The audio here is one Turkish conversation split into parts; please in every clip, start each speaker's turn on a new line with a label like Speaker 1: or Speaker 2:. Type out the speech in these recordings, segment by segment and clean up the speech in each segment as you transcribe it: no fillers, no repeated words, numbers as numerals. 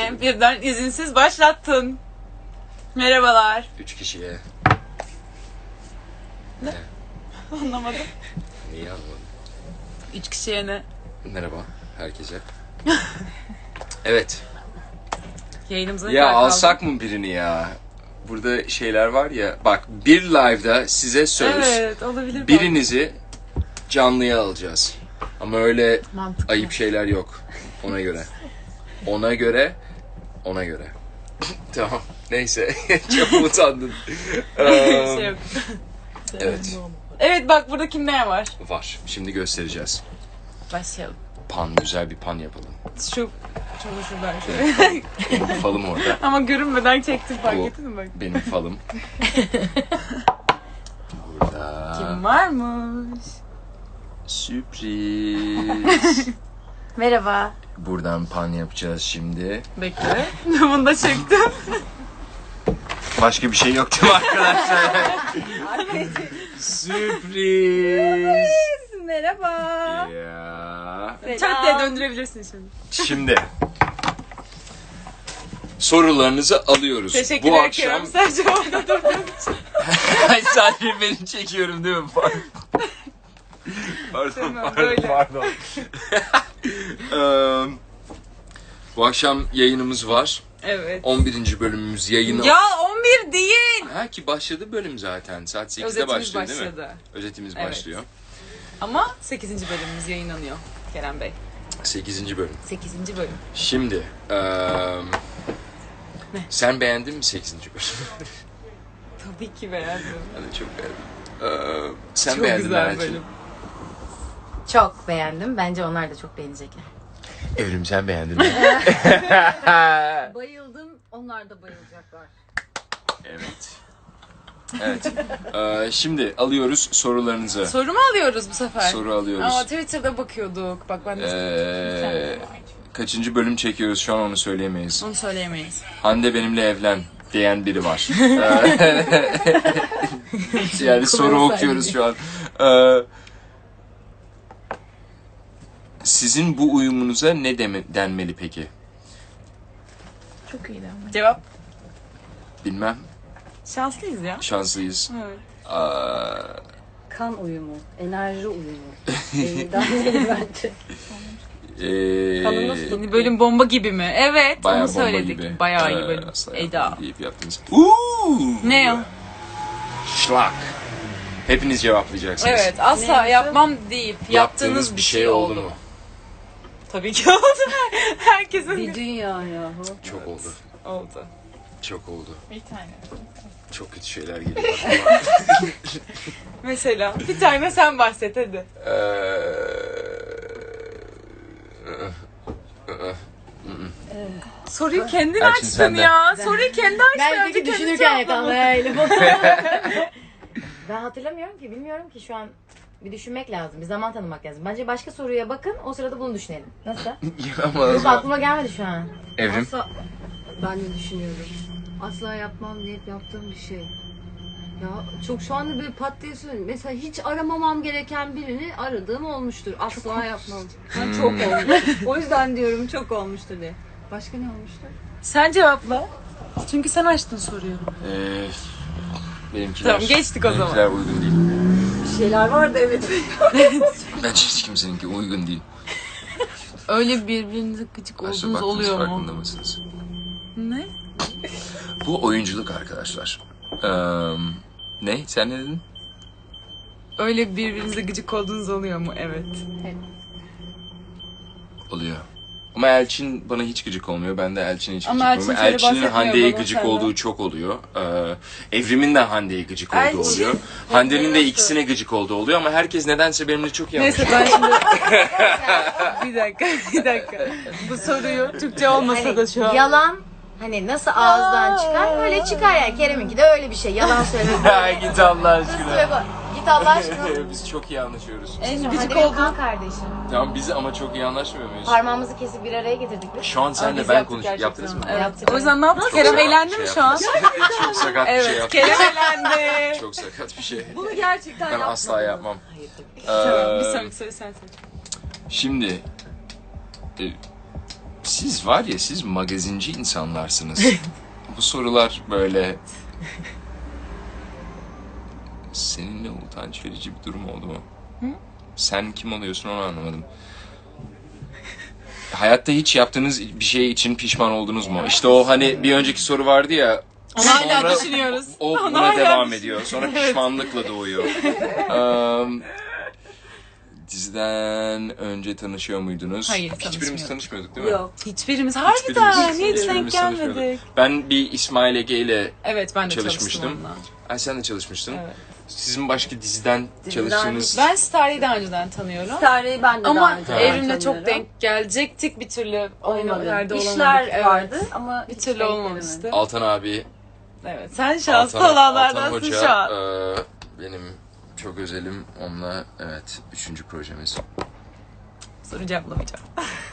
Speaker 1: Niye birden izinsiz başlattın? Merhabalar.
Speaker 2: 3 kişiye.
Speaker 1: Ne? Anlamadım.
Speaker 2: Niye anlamadım?
Speaker 1: 3 kişiye ne?
Speaker 2: Merhaba herkese. Evet.
Speaker 1: Yayınımıza ne
Speaker 2: Ya
Speaker 1: kadar kaldı?
Speaker 2: alsak mı birini ya? Burada şeyler var ya. Bak bir live'da size söz.
Speaker 1: Evet, olabilir.
Speaker 2: Birinizi canlıya alacağız. Ama öyle
Speaker 1: Mantıklı.
Speaker 2: ayıp şeyler yok. Ona göre. Ona göre. Tamam. Neyse. Çok utandın.
Speaker 1: Şey yok.
Speaker 2: Evet.
Speaker 1: Evet bak burada kimler var?
Speaker 2: Var. Şimdi göstereceğiz.
Speaker 1: Başlayalım.
Speaker 2: Güzel bir pan yapalım.
Speaker 1: Şu şuradan şöyle.
Speaker 2: Benim falım orada.
Speaker 1: Ama görünmeden çektim fark
Speaker 2: Bu
Speaker 1: ettin mi bak?
Speaker 2: benim falım. Burada.
Speaker 1: Kim varmış?
Speaker 2: Sürpriz.
Speaker 3: Merhaba.
Speaker 2: Buradan pan yapacağız şimdi.
Speaker 1: Bekle. Bunu da çektim.
Speaker 2: Başka bir şey yok değil mi arkadaşlar? Sürpriz.
Speaker 3: Merhaba.
Speaker 2: Ya.
Speaker 1: Çat diye döndürebilirsin şimdi.
Speaker 2: Şimdi sorularınızı alıyoruz.
Speaker 1: Teşekkür
Speaker 2: Bu
Speaker 1: ederim.
Speaker 2: akşam
Speaker 1: Sadece orada durduğum için.
Speaker 2: Ay, sadece beni çekiyorum değil mi? Pardon,
Speaker 1: Tamam, böyle.
Speaker 2: pardon. Bu akşam yayınımız var.
Speaker 1: Evet.
Speaker 2: 11. bölümümüz yayını.
Speaker 1: Ya 11 değil.
Speaker 2: Ha ki başladı bölüm zaten. Saat 8'de
Speaker 1: Özetimiz
Speaker 2: başlıyor değil mi?
Speaker 1: başladı.
Speaker 2: Özetimiz
Speaker 1: Evet.
Speaker 2: başlıyor.
Speaker 1: Ama 8. bölümümüz yayınlanıyor Kerem Bey.
Speaker 2: 8. bölüm.
Speaker 1: 8. bölüm.
Speaker 2: Şimdi sen beğendin mi 8. bölümü?
Speaker 1: Tabii ki beğendim.
Speaker 2: Ben de çok beğendim. Sen
Speaker 1: Çok
Speaker 2: beğendin mi
Speaker 1: güzel
Speaker 2: Elçin?
Speaker 1: bölüm.
Speaker 3: Çok beğendim. Bence onlar da çok beğenecekler.
Speaker 2: Evrim sen beğendin mi?
Speaker 3: Bayıldım. Onlar da bayılacaklar.
Speaker 2: Evet. Evet. Şimdi alıyoruz sorularınızı.
Speaker 1: Soru mu alıyoruz bu sefer?
Speaker 2: Soru alıyoruz.
Speaker 1: Ama Twitter'da bakıyorduk. Bak ben de
Speaker 2: Kaçıncı bölüm çekiyoruz şu an onu söyleyemeyiz.
Speaker 1: onu söyleyemeyiz.
Speaker 2: Hande benimle evlen diyen biri var. Yani soru okuyoruz şu an. Sizin bu uyumunuza ne denmeli peki?
Speaker 3: Çok iyiydi ama.
Speaker 1: Cevap?
Speaker 2: Bilmem.
Speaker 1: Şanslıyız ya.
Speaker 2: Şanslıyız.
Speaker 1: Evet.
Speaker 3: Kan uyumu, enerji uyumu. Bence.
Speaker 1: Kalın nasıl? Yeni bölüm bomba gibi mi? Evet,
Speaker 2: Bayağı
Speaker 1: onu
Speaker 2: bomba
Speaker 1: söyledik.
Speaker 2: gibi.
Speaker 1: Bayağı iyi bölüm.
Speaker 2: Asla
Speaker 1: Eda.
Speaker 2: yapmadım deyip yaptınız.
Speaker 1: Ne o?
Speaker 2: Şlak. Hepiniz cevaplayacaksınız.
Speaker 1: Evet, asla yapmam deyip yaptığınız bir şey oldu mu? Tabii ki oldu. Herkesin
Speaker 3: Bir dünya yahu.
Speaker 2: Çok oldu.
Speaker 1: oldu.
Speaker 2: Çok oldu.
Speaker 1: Bir tane.
Speaker 2: Çok kötü şeyler geliyor.
Speaker 1: Mesela bir tane sen bahset hadi. Soruyu kendin
Speaker 2: Elçin
Speaker 1: açtın
Speaker 2: sende.
Speaker 1: ya. Soruyu kendi açtın.
Speaker 3: Ben
Speaker 1: Önce
Speaker 3: peki
Speaker 1: kendi
Speaker 3: düşünürken
Speaker 1: cevapladın.
Speaker 3: yakalayayım. Ben hatırlamıyorum ki, bilmiyorum ki şu an. Bir düşünmek lazım, bir zaman tanımak lazım. Bence başka soruya bakın, o sırada bunu düşünelim. Nasıl? Yok, aklıma gelmedi şu an.
Speaker 2: Evrim.
Speaker 4: Asla, ben de düşünüyorum. Asla yapmam deyip yaptığım bir şey. Ya çok şu anda böyle pat diye söyleyeyim. Mesela hiç aramamam gereken birini aradığım olmuştur. Asla yapmam. Ben çok olmuş. O yüzden diyorum çok olmuştur diye. Başka ne olmuştur?
Speaker 1: Sen cevapla. Çünkü sen açtın soruyu.
Speaker 2: Benimkiler,
Speaker 1: Tamam, geçtik o zaman.
Speaker 2: benimkiler uygun değil.
Speaker 4: Bir şeyler vardı evet.
Speaker 2: Bence hiç kimseninki uygun değil.
Speaker 1: Öyle birbirinize gıcık
Speaker 2: Aslında
Speaker 1: olduğunuz
Speaker 2: baktınız,
Speaker 1: oluyor
Speaker 2: farkında
Speaker 1: mu?
Speaker 2: mısınız?
Speaker 1: Ne?
Speaker 2: Bu oyunculuk arkadaşlar. Ne? Sen ne dedin?
Speaker 1: Öyle birbirinize gıcık olduğunuz oluyor mu? Evet.
Speaker 2: Oluyor. Ama Elçin bana hiç gıcık olmuyor. Ben de Elçin'e hiç
Speaker 1: Ama
Speaker 2: gıcık
Speaker 1: Elçin
Speaker 2: olmuyor.
Speaker 1: şöyle
Speaker 2: Elçin'in
Speaker 1: bahsetmiyor
Speaker 2: Hande'ye
Speaker 1: bana
Speaker 2: gıcık
Speaker 1: senden.
Speaker 2: olduğu çok oluyor. Evrim'in de Hande'ye gıcık olduğu
Speaker 1: Elçin.
Speaker 2: oluyor. Hande'nin de ikisine gıcık olduğu oluyor ama herkes nedense benimle çok iyi
Speaker 1: Neyse
Speaker 2: anlaşıyor.
Speaker 1: ben şimdi... bir dakika. Bu soruyu Türkçe olmasa da şu an...
Speaker 3: Yalan hani nasıl ağızdan çıkar, öyle çıkar yani. Kerem'inki de öyle bir şey. Yalan söylemek.
Speaker 2: Git Allah aşkına.
Speaker 3: Git Allah aşkına.
Speaker 2: Biz çok iyi anlaşıyoruz.
Speaker 1: En
Speaker 3: Hadi
Speaker 1: gıcık
Speaker 3: benim
Speaker 1: olduğun...
Speaker 3: kan kardeşim.
Speaker 2: Tamam biz ama çok iyi anlaşmıyor muyuz?
Speaker 3: Parmağımızı kesip bir araya getirdik biz.
Speaker 2: Şu an senle
Speaker 1: Biz
Speaker 2: ben
Speaker 1: yaptık
Speaker 2: konuş.
Speaker 1: gerçekten.
Speaker 2: Yaptınız mı?
Speaker 1: Evet.
Speaker 3: Yaptık.
Speaker 1: O yüzden ne yaptık? Kerem eğlendi mi şu an?
Speaker 2: Çok sakat bir şey
Speaker 1: Evet,
Speaker 2: yaptım.
Speaker 1: Kerem eğlendi.
Speaker 2: Çok sakat bir şey.
Speaker 4: Bunu gerçekten
Speaker 2: Ben
Speaker 4: yapmadım.
Speaker 2: asla yapmam.
Speaker 1: Tamam, bir
Speaker 2: Ee,
Speaker 1: sonraki soru sen seç.
Speaker 2: Şimdi Siz var ya, siz magazinci insanlarsınız. Bu sorular böyle... Seninle utanç verici bir durum oldu mu? Sen kim oluyorsun onu anlamadım. Hayatta hiç yaptığınız bir şey için pişman oldunuz mu? İşte o hani bir önceki soru vardı ya.
Speaker 1: Onu hala
Speaker 2: sonra
Speaker 1: düşünüyoruz.
Speaker 2: O
Speaker 1: Onu
Speaker 2: buna
Speaker 1: hala
Speaker 2: devam ediyor. Sonra pişmanlıkla doğuyor. Diziden önce tanışıyor muydunuz?
Speaker 1: Hayır,
Speaker 2: Hiçbirimiz
Speaker 1: tanışmıyorduk.
Speaker 2: tanışmıyorduk değil mi?
Speaker 4: Yok.
Speaker 1: Hiçbirimiz harbiden hiç denk
Speaker 2: Hiçbirimiz tanışmıyorduk.
Speaker 1: gelmedik.
Speaker 2: Ben bir İsmail Ege ile
Speaker 1: Evet ben de
Speaker 2: çalışmıştım.
Speaker 1: çalıştım onunla.
Speaker 2: Ay sen de çalışmıştın.
Speaker 1: Evet.
Speaker 2: Sizin başka diziden çalıştığınız...
Speaker 1: Ben Starry'i daha önceden tanıyorum.
Speaker 4: Starry'i ben de
Speaker 1: Ama
Speaker 4: daha önce
Speaker 1: Evrim'le
Speaker 4: tanıyorum.
Speaker 1: çok denk gelecektik bir türlü aynı
Speaker 4: Olmadı.
Speaker 1: yerde olamadık.
Speaker 4: İşler
Speaker 1: Evet.
Speaker 4: vardı ama
Speaker 1: Bir
Speaker 4: hiç
Speaker 1: türlü
Speaker 4: denk
Speaker 1: olmamıştı.
Speaker 4: gelemedik.
Speaker 2: Altan abi,
Speaker 1: Evet sen şanslı
Speaker 2: Altan
Speaker 1: olanlardansın
Speaker 2: Hoca,
Speaker 1: şu an.
Speaker 2: benim çok özelim. Onunla evet 3. projemiz.
Speaker 1: Soru cevaplamayacağım.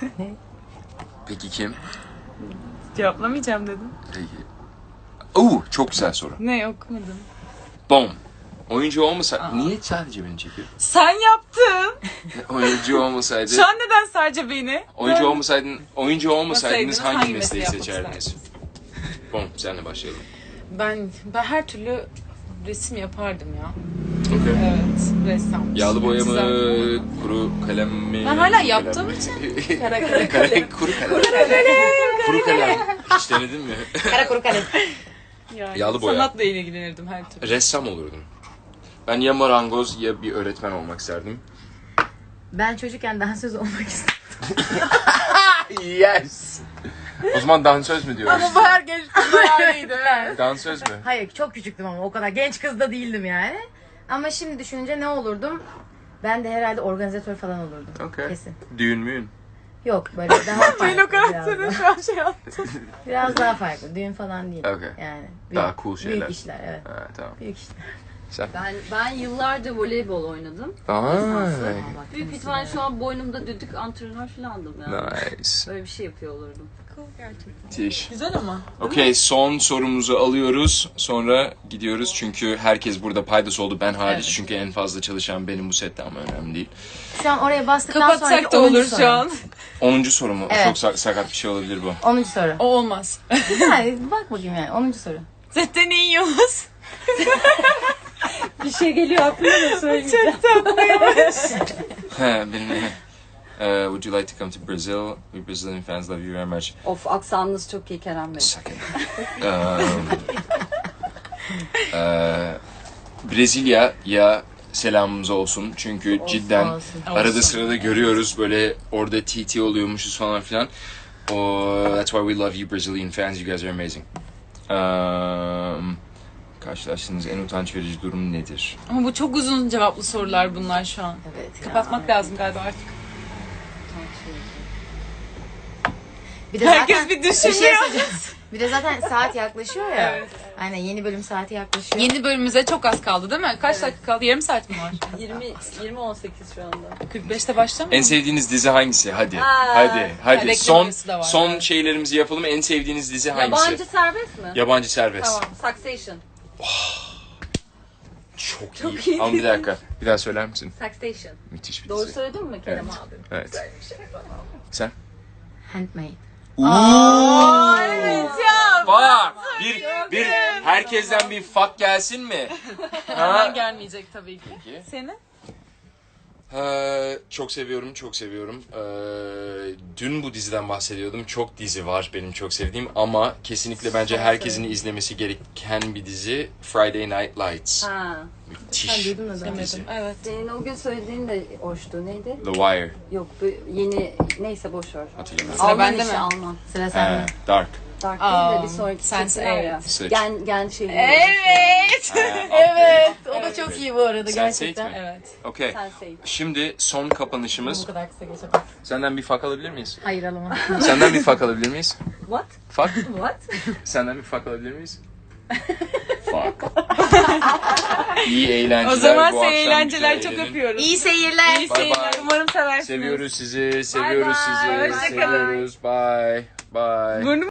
Speaker 2: Peki kim?
Speaker 1: Cevaplamayacağım dedim.
Speaker 2: Peki. Oo, çok güzel soru.
Speaker 1: Ne okumadım.
Speaker 2: Bom. Oyuncu olmasa... Niye sadece beni çekiyor?
Speaker 1: Sen yaptın.
Speaker 2: Oyuncu olmasaydı...
Speaker 1: Şu an neden sadece beni?
Speaker 2: Oyuncu olmasaydınız hangi
Speaker 1: hangi
Speaker 2: mesleği
Speaker 1: mesleği
Speaker 2: seçerdiniz? Bom, senle başlayalım.
Speaker 1: Ben her türlü resim yapardım ya.
Speaker 2: Okay.
Speaker 1: Evet, ressam.
Speaker 2: Yağlı boya mı,
Speaker 1: Güzel.
Speaker 2: kuru kalem mi?
Speaker 1: Ben hala
Speaker 2: kuru
Speaker 1: yaptığım
Speaker 2: kalem mi?
Speaker 1: için.
Speaker 2: Kuru kalem. Kuru kalem. Hiç denedin mi?
Speaker 3: Kara kuru kalem.
Speaker 1: Yani
Speaker 2: Yağlı boya.
Speaker 1: sanatla ilgilenirdim her türlü.
Speaker 2: Ressam olurdum. Ben ya marangoz ya bir öğretmen olmak isterdim.
Speaker 3: Ben çocukken dansöz olmak istedim.
Speaker 2: Yes. O zaman dansöz mü diyoruz?
Speaker 1: Bu her genç kızlar öyleydi.
Speaker 2: Dansöz mü?
Speaker 3: Hayır çok küçüktüm ama o kadar genç kız da değildim yani. Ama şimdi düşününce ne olurdum? Ben de herhalde organizatör falan olurdum.
Speaker 2: Okay.
Speaker 3: Kesin.
Speaker 2: Düğün müyün?
Speaker 3: Yok böyle daha farklı.
Speaker 1: Ben o
Speaker 3: biraz,
Speaker 1: karakteri
Speaker 3: daha.
Speaker 1: şu an şey yaptım.
Speaker 3: Biraz daha farklı. Düğün falan değil.
Speaker 2: Okay.
Speaker 3: Yani
Speaker 2: Daha cool şeyler.
Speaker 3: Büyük işler evet.
Speaker 2: Ha, tamam.
Speaker 3: Büyük işler.
Speaker 2: Sen?
Speaker 4: Ben yıllarca voleybol oynadım. Büyük ihtimalle şu an boynumda düdük antrenör falandım yani.
Speaker 2: Nice.
Speaker 4: Böyle bir şey yapıyor olurdum.
Speaker 2: Tiş.
Speaker 1: Güzel ama.
Speaker 2: Okey, son sorumuzu alıyoruz. Sonra gidiyoruz çünkü herkes burada paydası oldu, ben hariç.
Speaker 1: Evet.
Speaker 2: Çünkü en fazla çalışan benim bu sette ama önemli değil.
Speaker 3: Şu an oraya bastıktan sonra
Speaker 1: Kapatsak da olur şu an.
Speaker 2: 10. soru mu?
Speaker 3: Evet.
Speaker 2: Çok sakat bir şey olabilir bu.
Speaker 3: 10. soru.
Speaker 1: O olmaz.
Speaker 3: Yani bak bakayım yani 10. soru.
Speaker 1: Zaten ne yiyoruz?
Speaker 4: Bir şey geliyor aklıma da söyleyeceğim.
Speaker 2: Benim would you like to come to Brazil? We Brazilian fans love you very much.
Speaker 4: Of aksanınız çok iyi Kerem Bey.
Speaker 2: Suck it. Brezilya'ya selamımız olsun. Çünkü cidden
Speaker 3: olsun.
Speaker 2: arada
Speaker 1: Olsun.
Speaker 2: sırada görüyoruz böyle orada TT oluyormuşuz falan filan. That's why we love you Brazilian fans. You guys are amazing. Karşılaştığınız en utanç verici durum nedir?
Speaker 1: Ama bu çok uzun cevaplı sorular bunlar şu an.
Speaker 3: Evet.
Speaker 1: Kapatmak lazım galiba artık.
Speaker 3: Bir de
Speaker 1: Herkes
Speaker 3: zaten,
Speaker 1: bir
Speaker 3: şey
Speaker 1: düşünüyor.
Speaker 3: söyleyeceğim. Bir de zaten saat yaklaşıyor ya.
Speaker 1: Evet.
Speaker 3: Aynen yeni bölüm saati yaklaşıyor.
Speaker 1: Yeni bölümümüze çok az kaldı değil mi? Kaç dakika kaldı? Yarım saat mi var?
Speaker 4: 20-18 şu anda.
Speaker 1: 45'te başlamıyor
Speaker 2: En sevdiğiniz dizi hangisi? Hadi.
Speaker 4: Aa,
Speaker 2: Hadi.
Speaker 1: reklam
Speaker 2: Son
Speaker 1: arası da var,
Speaker 2: son
Speaker 1: evet.
Speaker 2: şeylerimizi yapalım. En sevdiğiniz dizi hangisi?
Speaker 4: Yabancı serbest mi?
Speaker 2: Yabancı serbest.
Speaker 4: Tamam. Succession.
Speaker 2: Çok iyi. Ama bir dakika. Bir daha söyler misin?
Speaker 4: Succession.
Speaker 2: Müthiş bir
Speaker 4: Doğru
Speaker 2: dizi.
Speaker 4: söyledin mi Kerem
Speaker 2: Evet.
Speaker 4: abi?
Speaker 2: Evet. Sen?
Speaker 3: Handmade.
Speaker 1: Evet ya.
Speaker 2: Fuck! Bir herkesten bir fuck gelsin mi?
Speaker 1: Hemen gelmeyecek tabii ki.
Speaker 2: Peki.
Speaker 1: Seni?
Speaker 2: Çok seviyorum, çok seviyorum. Dün bu diziden bahsediyordum. Çok dizi var benim çok sevdiğim ama kesinlikle bence herkesin izlemesi gereken bir dizi Friday Night Lights.
Speaker 4: Ha.
Speaker 2: Müthiş
Speaker 3: duydun mu zaten?
Speaker 2: bir dizi.
Speaker 1: Evet.
Speaker 4: Senin o gün söylediğin de hoştu. Neydi?
Speaker 2: The Wire.
Speaker 4: Yok bu yeni neyse boş ver.
Speaker 2: Hatırlamıyorum.
Speaker 1: Sıra
Speaker 4: Alman
Speaker 1: bende
Speaker 4: işi
Speaker 1: mi?
Speaker 4: Alman.
Speaker 3: Sıra sende.
Speaker 2: Dark.
Speaker 4: Dark değil de bir sonraki
Speaker 1: Sense8.
Speaker 4: çektiler ya.
Speaker 2: Sıç.
Speaker 4: Gen şeyi.
Speaker 1: Evet.
Speaker 3: Evet. O da çok iyi bu arada
Speaker 2: Sense8
Speaker 3: gerçekten.
Speaker 2: mi?
Speaker 1: Evet.
Speaker 2: Okey.
Speaker 4: Sense8.
Speaker 2: Şimdi son kapanışımız.
Speaker 3: Bu kadar kısa geçemez.
Speaker 2: Senden bir fuck alabilir miyiz?
Speaker 3: Hayır alamam.
Speaker 2: Senden bir fuck alabilir miyiz?
Speaker 4: What?
Speaker 2: Fuck?
Speaker 4: What?
Speaker 2: Senden bir fuck alabilir miyiz? Fuck. İyi eğlenceler.
Speaker 1: O zaman
Speaker 2: bu akşam
Speaker 1: size eğlenceler
Speaker 2: güzel
Speaker 1: çok
Speaker 2: eğlenin.
Speaker 1: öpüyoruz.
Speaker 3: İyi seyirler.
Speaker 1: İyi
Speaker 2: Bye
Speaker 1: seyirler.
Speaker 2: bye.
Speaker 1: Umarım seversiniz.
Speaker 2: Seviyoruz sizi, seviyoruz
Speaker 1: Bye bye.
Speaker 2: sizi,
Speaker 1: Hoşça kalın.
Speaker 2: seviyoruz. Bye. Bye.
Speaker 1: Burnum